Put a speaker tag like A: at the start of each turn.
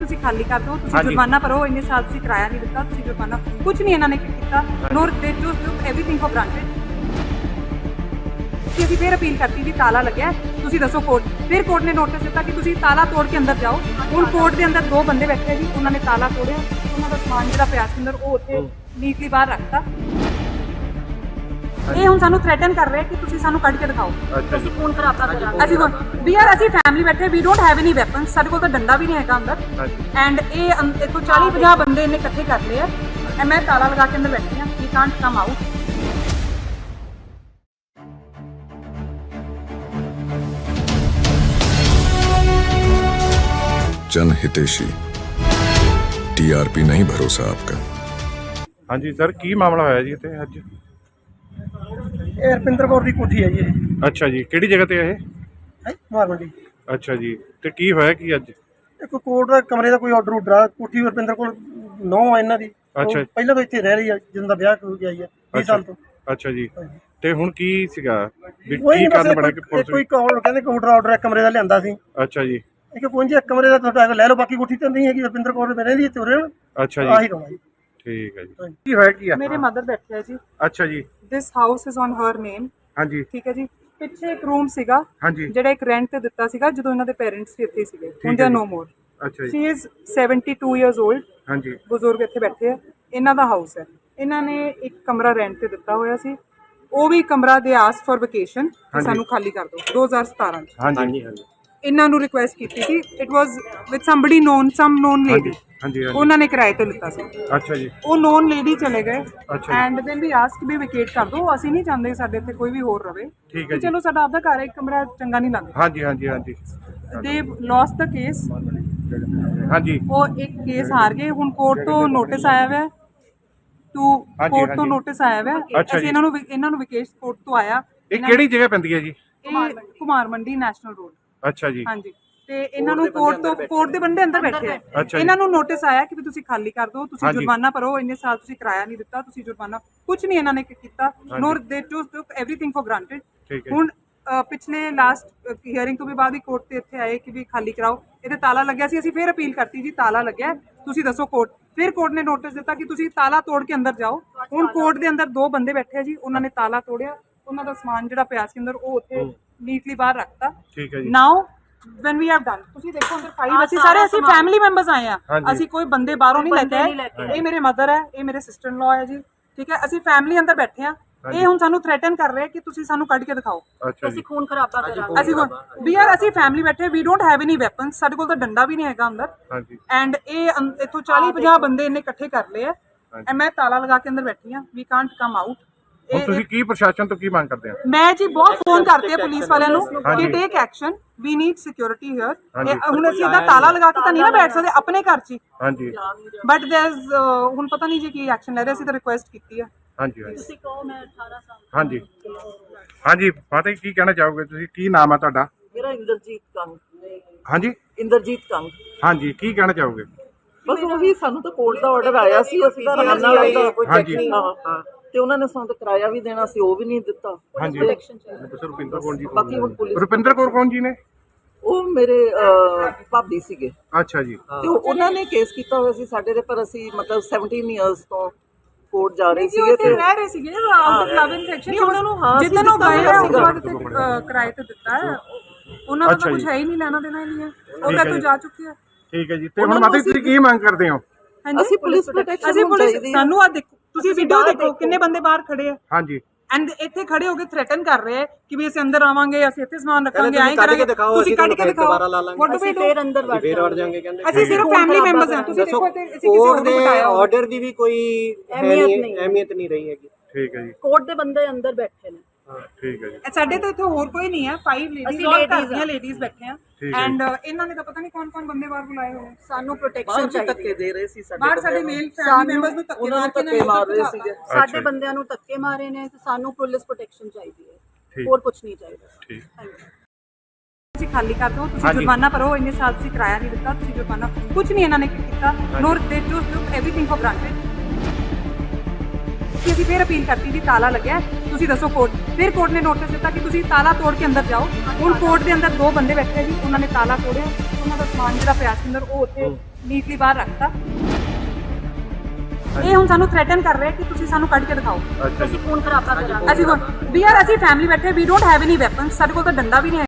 A: ਤੁਸੀਂ ਖਾਲੀ ਕਰ ਦਿਓ, ਤੁਸੀਂ ਜੁਰਮਾਨਾ ਭਰੋ, ਇੰਨੇ ਸਾਲ ਤੁਸੀਂ ਕਿਰਾਇਆ ਨਹੀਂ ਦਿੱਤਾ, ਤੁਸੀਂ ਜੁਰਮਾਨਾ ਕੁਝ ਨਹੀਂ ਇਹਨਾਂ ਨੇ ਕੀਤਾ, ਨੋਰ ਦੇ ਟੂਕ ਐਵਰੀਥਿੰਗ ਫॉर ਗ੍ਰਾਂਟਡ। ਅਸੀਂ ਫਿਰ ਅਪੀਲ ਕਰਤੀ ਵੀ ਤਾਲਾ ਲੱਗਿਆ, ਤੁਸੀਂ ਦੱਸੋ ਕੋਰਟ। ਫਿਰ ਕੋਰਟ ਨੇ ਨੋਟਿਸ ਦਿੱਤਾ ਕਿ ਤੁਸੀਂ ਤਾਲਾ ਤੋੜ ਕੇ ਅੰਦਰ ਜਾਓ। ਹੁਣ ਕੋਰਟ ਦੇ ਅੰਦਰ ਦੋ ਬੰਦੇ ਬੈਠੇ ਜੀ, ਉਹਨਾਂ ਨੇ ਤਾਲਾ ਤੋੜਿਆ, ਉਹਨਾਂ ਦਾ ਸਮਾਨ ਜਿਹੜਾ ਪਿਆ ਸੀ ਅੰਦਰ ਉਹ ਉੱਥੇ ਨੀਟਲੀ ਬਾਹਰ ਰੱਖਤਾ। ਇਹ ਹੁਣ ਸਾਨੂੰ ਥ੍ਰੈਟਨ ਕਰ ਰਹੇ ਕਿ ਤੁਸੀਂ ਸਾਨੂੰ ਕੱਢ ਕੇ ਦਿਖਾਓ, ਅਸੀਂ ਖੂਨ ਖਰਾਬਾ ਕਰਾਂਗੇ। ਅਸੀਂ ਫੈਮਿਲੀ ਬੈਠੇ, we don't have any weapons, ਸਾਡੇ ਕੋਲ ਤਾਂ ਡੰਡਾ ਵੀ ਨਹੀਂ ਹੈਗਾ ਅੰਦਰ। ਐਂਡ ਇਹ ਇੱਥੋਂ 40-50 ਬੰਦੇ ਇਹਨੇ ਇਕੱਠੇ ਕਰ ਲਏ ਆ, ਮੈਂ ਤਾਲਾ ਲਗਾ ਕੇ ਅੰਦਰ ਬੈਠੀ ਹਾਂ, ਵੀ ਕਾਂਟ ਕਮ ਆਊਟ।
B: जन हितेशी टीआरपी नहीं भरोसा आपका।
C: हाँ जी सर, की मामला होया जी इत्थे अज?
D: ਇਹ ਰਪਿੰਦਰ ਕੌਰ ਦੀ ਕੋਠੀ ਹੈ ਜੀ ਇਹ
C: अच्छा जी, किहड़ी जगह ते है?
D: ਮਾਰ ਮੰਡੀ।
C: अच्छा जी, ते की होया की अज?
D: ਇੱਕ ਕੋਰਟ ਦਾ ਕਮਰੇ ਦਾ ਕੋਈ ਆਰਡਰ ਉਡਰਾ, ਕੋਠੀ ਰਪਿੰਦਰ ਕੋਲ 9 ਆ ਇਹਨਾਂ ਦੀ।
C: ਅੱਛਾ।
D: ਉਹ ਪਹਿਲਾਂ ਤੋਂ ਇੱਥੇ ਰਹਿ ਰਹੀ ਹੈ, ਜਦੋਂ ਦਾ ਵਿਆਹ ਹੋ ਗਿਆ ਹੈ 20 ਸਾਲ ਤੋਂ।
C: अच्छा जी, ते हुण की सीगा भी
D: ਕੋਈ
C: की
D: ਨਹੀਂ,
C: कारण बड़ा कि
D: ਬਸ
C: पुलिस?
D: ਕੋਈ ਕਾਲ ਕਹਿੰਦੇ ਕੋਰਟ ਦਾ ਆਰਡਰ ਇੱਕ ਕਮਰੇ ਦਾ ਲਿਆਂਦਾ ਸੀ।
C: अच्छा जी,
D: ਇੱਕ ਪਹੁੰਚੇ ਇੱਕ ਕਮਰੇ ਦਾ ਤੁਹਾਡਾ ਲੈ ਲਓ, ਬਾਕੀ ਕੋਠੀ ਤਾਂ ਨਹੀਂ ਹੈਗੀ। ਰਪਿੰਦਰ ਕੌਰ ਰਹਿੰਦੀ ਇੱਥੇ ਉਰੇ
C: अच्छा
D: ਆਹੀ
C: जी,
D: ਰੋਣਾ ਜੀ।
C: ठीक है जी। की होया की है?
A: ਮੇਰੇ ਮਦਰ ਬੈਠੇ ਆ ਜੀ।
C: अच्छा जी,
A: this house is on her name.
C: हाँ जी,
A: ਠੀਕ ਹੈ ਜੀ। ਪਿੱਛੇ ਇੱਕ ਰੂਮ ਸੀਗਾ
C: हाँ जी,
A: ਜਿਹੜਾ ਇੱਕ ਰੈਂਟ ਤੇ ਦਿੱਤਾ ਸੀਗਾ ਜਦੋਂ ਇਹਨਾਂ ਦੇ ਪੇਰੈਂਟਸ ਵੀ ਇੱਥੇ ਸੀਗੇ। ਹੁਣ ਦੇ ਨੋ ਮੋਰ।
C: अच्छा जी,
A: ਸ਼ੀ ਇਜ਼ 72 ਇਅਰਸ 올ਡ।
C: हाँ जी,
A: ਬਜ਼ੁਰਗ ਇੱਥੇ ਬੈਠੇ ਆ, ਇਹਨਾਂ ਦਾ ਹਾਊਸ ਹੈ। ਇਹਨਾਂ ਨੇ ਇੱਕ ਕਮਰਾ ਰੈਂਟ ਤੇ ਦਿੱਤਾ ਹੋਇਆ ਸੀ, ਉਹ ਵੀ ਕਮਰਾ ਦੇ ਆਸ ਫॉर ਵਕੇਸ਼ਨ, ਸਾਨੂੰ ਖਾਲੀ ਕਰ ਦਿਓ 2017 ਚ।
C: हाँ जी,
A: ਇਹਨਾਂ ਨੂੰ ਰਿਕੁਐਸਟ ਕੀਤੀ ਸੀ, it was with somebody known, some known lady.
C: हाँ जी,
A: ਉਹਨਾਂ ਨੇ ਕਿਰਾਏ ਤੇ ਲਿੱਤਾ ਸੀ।
C: अच्छा जी,
A: ਉਹ ਨੋਨ ਲੇਡੀ ਚਲੇ ਗਏ
C: अच्छा
A: and then we ask we vacate ਕਰ ਦਿਓ, ਅਸੀਂ ਨਹੀਂ ਚਾਹੁੰਦੇ ਸਾਡੇ ਇੱਥੇ ਕੋਈ ਵੀ ਹੋਰ ਰਵੇ।
C: ठीक है जी,
A: ਚਲੋ ਸਾਡਾ ਆਪਦਾ ਘਰ ਹੈ, ਇੱਕ ਕਮਰਾ ਚੰਗਾ ਨਹੀਂ ਲੱਗਦਾ।
C: हाँ जी, हाँ जी, हाँ जी,
A: ਦੇ ਲੋਸਟ ਦਾ ਕੇਸ,
C: हाँ जी,
A: ਉਹ ਇੱਕ ਕੇਸ ਹਾਰ ਗਏ। ਹੁਣ ਕੋਰਟ ਤੋਂ ਨੋਟਿਸ ਆਇਆ ਹੋਇਆ, ਟੂ ਕੋਰਟ ਤੋਂ ਨੋਟਿਸ ਆਇਆ ਹੋਇਆ।
C: ਅੱਛਾ
A: ਅਸੀਂ
C: ਜੀ।
A: ਇਹਨਾਂ ਨੂੰ ਵਿਕੇਸ਼ ਕੋਰਟ ਤੋਂ ਆਇਆ।
C: ये केड़ी जगह पैंदी है जी?
A: ਇਹ ਕੁਮਾਰ ਮੰਡੀ ਨੈਸ਼ਨਲ ਰੋਡ।
C: अच्छा जी,
A: ਹਾਂਜੀ, ਤੇ ਇਹਨਾਂ ਨੂੰ ਕੋਰਟ ਦੇ ਬੰਦੇ ਅੰਦਰ ਬੈਠੇ ਆ।
C: ਅੱਛਾ ਜੀ।
A: ਇਹਨਾਂ ਨੂੰ ਨੋਟਿਸ ਆਇਆ ਕਿ ਵੀ ਤੁਸੀਂ ਖਾਲੀ ਕਰ ਦਿਓ, ਤੁਸੀਂ
C: ਹਾਂਜੀ।
A: ਜੁਰਮਾਨਾ ਭਰੋ, ਇੰਨੇ ਸਾਲ ਤੁਸੀਂ ਕਿਰਾਇਆ ਨਹੀਂ ਦਿੱਤਾ, ਤੁਸੀਂ ਜੁਰਮਾਨਾ ਕੁਝ ਨਹੀਂ ਇਹਨਾਂ ਨੇ ਕੀਤਾ, ਨੋਰ ਦੇ ਟੂਕ ਐਵਰੀਥਿੰਗ ਫॉर ਗ੍ਰਾਂਟਡ।
C: ठीक है,
A: ਹੁਣ ਪਿਛਲੇ ਲਾਸਟ ਹੀਅਰਿੰਗ ਤੋਂ ਵੀ ਬਾਅਦ ਹੀ ਕੋਰਟ ਤੇ ਇੱਥੇ ਆਏ ਕਿ ਵੀ ਖਾਲੀ ਕਰਾਓ। ਇਹਦੇ ਤਾਲਾ ਲੱਗਿਆ ਸੀ, ਅਸੀਂ ਫਿਰ ਅਪੀਲ ਕਰਤੀ ਜੀ ਤਾਲਾ ਲੱਗਿਆ, ਤੁਸੀਂ ਦੱਸੋ ਕੋਰਟ। ਫਿਰ ਕੋਰਟ ਨੇ ਨੋਟਿਸ ਦਿੱਤਾ ਕਿ ਤੁਸੀਂ ਤਾਲਾ ਤੋੜ ਕੇ ਅੰਦਰ ਜਾਓ। ਹੁਣ ਕੋਰਟ ਦੇ ਅੰਦਰ ਦੋ ਬੰਦੇ ਬੈਠੇ ਆ ਜੀ, ਉਹਨਾਂ ਨੇ ਤਾਲਾ ਤੋੜਿਆ, ਉਹਨਾਂ ਦਾ ਸਮਾਨ ਜਿਹੜਾ ਪਿਆ ਸੀ ਅੰਦਰ ਉਹ ਉੱਥੇ ਨੀਟਲੀ ਬਾਹਰ ਰੱਖਤਾ।
C: ठीक है जी,
A: ਨਾਓ when we have done, ਤੁਸੀਂ ਦੇਖੋ ਅੰਦਰ ਫਾਈਲ, ਅਸੀਂ ਸਾਰੇ ਫੈਮਿਲੀ ਮੈਂਬਰਸ ਆਏ ਆ, ਅਸੀਂ ਕੋਈ ਬੰਦੇ ਬਾਹਰੋਂ ਨਹੀਂ ਲੈ ਕੇ ਆਏ। ਇਹ ਮੇਰੇ ਮਦਰ ਹੈ, ਇਹ ਮੇਰੇ ਸਿਸਟਰ ਇਨ ਲਾ ਹੈ ਜੀ। ਠੀਕ ਹੈ, ਅਸੀਂ ਫੈਮਿਲੀ ਅੰਦਰ ਬੈਠੇ ਆ। ਇਹ ਹੁਣ ਸਾਨੂੰ ਥ੍ਰੈਟਨ ਕਰ ਰਹੇ ਕਿ ਤੁਸੀਂ ਸਾਨੂੰ ਕੱਢ ਕੇ ਦਿਖਾਓ,
C: अच्छा जी,
A: ਅਸੀਂ ਖੂਨ ਖਰਾਬਾ ਕਰਾਂਗੇ। ਅਸੀਂ ਫੈਮਿਲੀ ਬੈਠੇ, we don't have any weapons, ਸਾਡੇ ਕੋਲ ਤਾਂ ਡੰਡਾ ਵੀ ਨਹੀਂ ਹੈਗਾ ਅੰਦਰ।
C: हाँ जी,
A: ਐਂਡ ਇਹ ਇੱਥੋਂ 40-50 ਬੰਦੇ ਇਹਨੇ ਇਕੱਠੇ ਕਰ ਲਏ ਆ, ਮੈਂ ਤਾਲਾ ਲਗਾ ਕੇ ਅੰਦਰ ਬੈਠੀ ਆ, ਵੀ ਕਾਂਟ ਕਮ ਆਊਟ।
C: ਹੁਣ ਤੁਸੀਂ ਕੀ ਪ੍ਰਸ਼ਾਸਨ ਤੋਂ ਕੀ ਮੰਗ ਕਰਦੇ ਆ?
A: ਮੈਂ ਜੀ ਬਹੁਤ ਫੋਨ ਕਰਤੇ ਆ ਪੁਲਿਸ ਵਾਲਿਆਂ ਨੂੰ ਕਿ take action, we need security here. ਹੁਣ ਅਸੀਂ ਇਹਦਾ ਤਾਲਾ ਲਗਾ ਕੇ ਤਾਂ ਨਹੀਂ ਨਾ ਬੈਠ ਸਕਦੇ ਆਪਣੇ ਘਰ 'ਚ ਹੀ,
C: हाँ जी,
A: ਬਟ ਦੇयर इज ਹੁਣ ਪਤਾ ਨਹੀਂ ਜੀ ਕੀ ਐਕਸ਼ਨ ਲੈ ਰਹੇ। ਅਸੀਂ ਤਾਂ ਰਿਕੁਐਸਟ ਕੀਤੀ ਆ।
C: हाँ जी, ਤੁਸੀਂ ਕਹੋ ਮੈਂ 18 ਸਾਲ। हाँ जी, हाँ जी, ਫਤਿਹ ਕੀ ਕਹਿਣਾ ਚਾਹੋਗੇ ਤੁਸੀਂ? ਕੀ ਨਾਮ ਹੈ ਤੁਹਾਡਾ?
E: ਮੇਰਾ ਇੰਦਰਜੀਤ ਕੰਗ।
C: हाँ जी,
E: ਇੰਦਰਜੀਤ ਕੰਗ।
C: हाँ जी, ਕੀ ਕਹਿਣਾ ਚਾਹੋਗੇ?
E: ਬਸ ਉਹੀ, ਸਾਨੂੰ ਤਾਂ ਕੋਰਟ ਦਾ ਆਰਡਰ ਆਇਆ ਸੀ, ਅਸੀਂ ਤਾਂ ਨਾਲ ਦਾ ਕੋਈ ਚੈੱਕ ਨਹੀਂ। ਹਾਂ, ਤੇ ਉਹਨਾਂ ਨੇ ਸਾਨੂੰ ਤਾਂ ਕਿਰਾਇਆ ਵੀ ਦੇਣਾ ਸੀ, ਉਹ ਵੀ ਨਹੀਂ ਦਿੱਤਾ।
C: हाँ जी, ਰੁਪਿੰਦਰ ਕੌਰ ਜੀ,
E: ਬਾਕੀ ਹੁਣ ਪੁਲਿਸ,
C: ਰੁਪਿੰਦਰ ਕੌਰ ਕੌਣ ਜੀ ਨੇ?
E: ਉਹ ਮੇਰੇ ਭਾਬੀ ਸੀਗੇ,
C: ਅੱਛਾ ਜੀ,
E: ਤੇ ਉਹਨਾਂ ਨੇ ਕੇਸ ਕੀਤਾ ਹੋਇਆ ਸੀ ਸਾਡੇ ਦੇ, ਪਰ ਅਸੀਂ ਮਤਲਬ 17 ਇਅਰਸ ਤੋਂ ਕੋਰਟ ਜਾ ਰਹੇ ਸੀਗੇ ਤੇ
A: ਰਹਿ ਰਹੇ ਸੀਗੇ out of love in section.
E: ਉਹਨਾਂ ਨੂੰ ਹਾਂ
A: ਜਿੱਦਨ ਉਹ ਗਏ ਆ ਉਸ ਬਾਅਦ ਤੇ ਕਿਰਾਏ ਤੇ ਦਿੱਤਾ ਹੈ, ਉਹਨਾਂ ਦਾ ਤਾਂ ਕੁਝ ਹੈ ਹੀ ਨਹੀਂ, ਲੈਣਾ ਦੇਣਾ ਹੀ ਨਹੀਂ ਹੈ, ਉਹ ਤਾਂ ਤੋਂ ਜਾ ਚੁੱਕੇ ਆ।
C: ਠੀਕ ਹੈ ਜੀ, ਤੇ ਹੁਣ ਮਾਤਾ ਤੁਸੀਂ ਕੀ ਮੰਗ ਕਰਦੇ ਹੋ?
E: ਅਸੀਂ ਪੁਲਿਸ ਪ੍ਰੋਟੈਕਸ਼ਨ,
A: ਅਸੀਂ ਪੁਲਿਸ, ਸਾਨੂੰ ਆ ਦੇਖੋ, ਤੁਸੀਂ ਵੀਡੀਓ ਦੇਖੋ ਕਿੰਨੇ ਬੰਦੇ ਬਾਹਰ ਖੜੇ ਆ।
C: हाँ जी,
A: ਐਂਡ ਇੱਥੇ ਖੜੇ ਹੋ ਕੇ ਥ੍ਰੈਟਨ ਕਰ ਰਹੇ ਆ ਕਿ ਵੀ ਅਸੀਂ ਅੰਦਰ ਆਵਾਂਗੇ, ਅਸੀਂ ਇੱਥੇ ਸਮਾਨ ਰੱਖਾਂਗੇ, ਐਂ ਕਰਾਂਗੇ, ਤੁਸੀਂ ਕੱਢ ਕੇ ਦਿਖਾਓ। ਅਸੀਂ ਫੇਰ ਅੰਦਰ ਵੜ ਜਾਵਾਂਗੇ, ਅਸੀਂ ਸਿਰਫ ਫੈਮਿਲੀ ਮੈਂਬਰਸ ਹਾਂ। ਤੁਸੀਂ ਦੇਖੋ ਤੇ ਅਸੀਂ ਕਿਸੇ ਨੂੰ ਬਿਠਾਇਆ
F: ਆਰਡਰ ਦੀ ਵੀ ਕੋਈ ਅਹਿਮੀਅਤ ਨਹੀਂ ਰਹੀ ਹੈਗੀ।
C: ਠੀਕ ਹੈ ਜੀ,
E: ਕੋਰਟ ਦੇ ਬੰਦੇ ਅੰਦਰ ਬੈਠੇ ਨੇ।
C: ਠੀਕ ਹੈ ਜੀ,
A: ਸਾਡੇ ਤਾਂ ਇੱਥੇ ਹੋਰ ਕੋਈ ਨਹੀਂ ਹੈ, 5 ਲੇਡੀਜ਼ ਔਰ ਘਰ ਲੇਡੀਜ਼ ਬੈਠੇ ਆ। ਐਂਡ ਇਹਨਾਂ ਨੇ ਤਾਂ ਪਤਾ ਨਹੀਂ ਕੌਣ ਬੰਦੇ ਬਾਹਰ ਬੁਲਾਏ ਹੋਏ। ਸਾਨੂੰ ਪ੍ਰੋਟੈਕਸ਼ਨ ਚਾਹੀਦੀ,
E: ਧੱਕੇ ਦੇ ਰਹੇ ਸੀ
A: ਬਾਹਰ ਸਾਡੇ ਮੇਲ ਫੈਮਿਲੀ ਮੈਂਬਰਸ ਨੂੰ ਧੱਕੇ
E: ਮਾਰ ਰਹੇ ਸੀਗੇ।
G: ਸਾਡੇ ਬੰਦਿਆਂ ਨੂੰ ਧੱਕੇ ਮਾਰੇ ਨੇ, ਤੇ ਸਾਨੂੰ ਪੁਲਿਸ ਪ੍ਰੋਟੈਕਸ਼ਨ ਚਾਹੀਦੀ ਹੈ,
C: ਠੀਕ,
G: ਹੋਰ ਕੁਝ ਨਹੀਂ ਚਾਹੀਦਾ।
C: ਠੀਕ,
A: ਤੁਸੀਂ ਖਾਲੀ ਕਰ ਦਿਓ, ਤੁਸੀਂ ਜੁਰਮਾਨਾ ਭਰੋ, ਇੰਨੇ ਸਾਲ ਤੁਸੀਂ ਕਿਰਾਇਆ ਨਹੀਂ ਦਿੱਤਾ, ਤੁਸੀਂ ਜੁਰਮਾਨਾ ਕੁਝ ਨਹੀਂ ਇਹਨਾਂ ਨੇ ਕੀਤਾ, ਨੋਰ ਦੇ ਟੂਕ ਐਵਰੀਥਿੰਗ ਫॉर ਗ੍ਰਾਂਟਡ। ਦਿੱਤੀ ਅਸੀਂ ਫਿਰ ਅਪੀਲ ਕਰਤੀ ਜੀ ਤਾਲਾ ਲੱਗਿਆ ਤੁਸੀਂ ਦੱਸੋ ਕੋਰਟ ਫਿਰ ਕੋਰਟ ਨੇ ਨੋਟਿਸ ਦਿੱਤਾ ਕਿ ਤੁਸੀਂ ਤਾਲਾ ਤੋੜ ਕੇ ਅੰਦਰ ਜਾਓ ਹੁਣ ਕੋਰਟ ਦੇ ਅੰਦਰ 2 ਬੰਦੇ ਬੈਠੇ ਜੀ ਉਹਨਾਂ ਨੇ ਤਾਲਾ ਤੋੜਿਆ ਉਹਨਾਂ ਦਾ ਸਮਾਨ ਜਿਹੜਾ ਪਿਆ ਸੀ ਅੰਦਰ ਉਹ ਉੱਥੇ ਨੀਟਲੀ ਬਾਹਰ ਰੱਖਤਾ ਇਹ ਹੁਣ ਸਾਨੂੰ ਥ੍ਰੈਟਨ ਕਰ ਰਹੇ ਕਿ ਤੁਸੀਂ ਸਾਨੂੰ ਕੱਢ ਕੇ ਦਿਖਾਓ
C: ਅੱਛਾ ਜੀ
G: ਖੂਨ ਖਰਾਬਾ ਕਰਾਂਗੇ
A: ਅਸੀਂ ਹੁਣ ਅਸੀਂ ਫੈਮਿਲੀ ਬੈਠੇ we don't have any weapons ਸਾਡੇ ਕੋਲ ਤਾਂ ਡੰਡਾ ਵੀ ਨਹੀਂ ਹੈ